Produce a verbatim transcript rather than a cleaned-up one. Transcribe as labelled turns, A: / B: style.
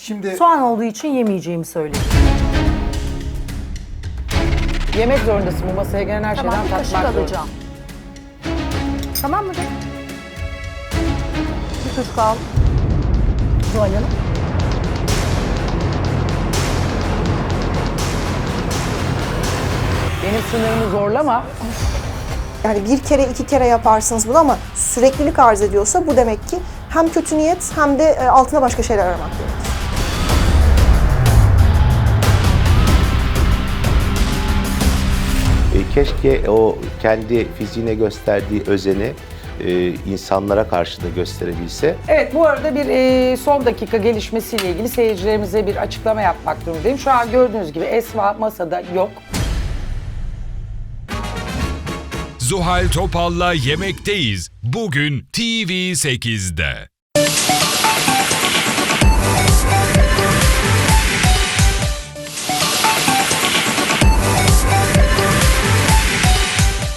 A: Şimdi
B: Soğan olduğu için yemeyeceğimi söyledim.
C: Yemek zorundasın, bu masaya gelen her
B: Tamam, bir
C: şeyden
B: kaşık
C: tatmak zorundasın.
B: alacağım. Tamam mı? Bir kaşık al. Zuhal Hanım.
C: Benim sınırımı zorlama.
D: Yani bir kere iki kere yaparsınız bunu ama süreklilik arz ediyorsa bu demek ki hem kötü niyet hem de e, altına başka şeyler aramak gerekir.
E: E, keşke o kendi fiziğine gösterdiği özeni e, insanlara karşı da gösterebilse.
C: Evet, bu arada bir e, son dakika gelişmesiyle ilgili seyircilerimize bir açıklama yapmak durumundayım. Şu an gördüğünüz gibi Esma masada yok.
F: Zuhal Topal'la Yemekteyiz. Bugün T V sekizde.